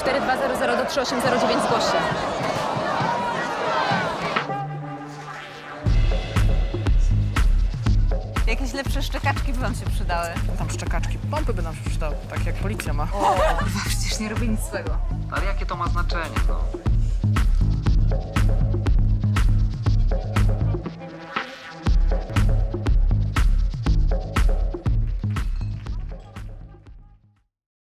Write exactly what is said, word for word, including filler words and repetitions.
cztery dwa zero zero do trzy osiem zero dziewięć zgłoś się. Jakieś lepsze szczekaczki by wam się przydały. Tam szczekaczki, pompy by nam się przydały, tak jak policja ma. O, kurwa, przecież nie robię nic złego. Ale jakie to ma znaczenie, no?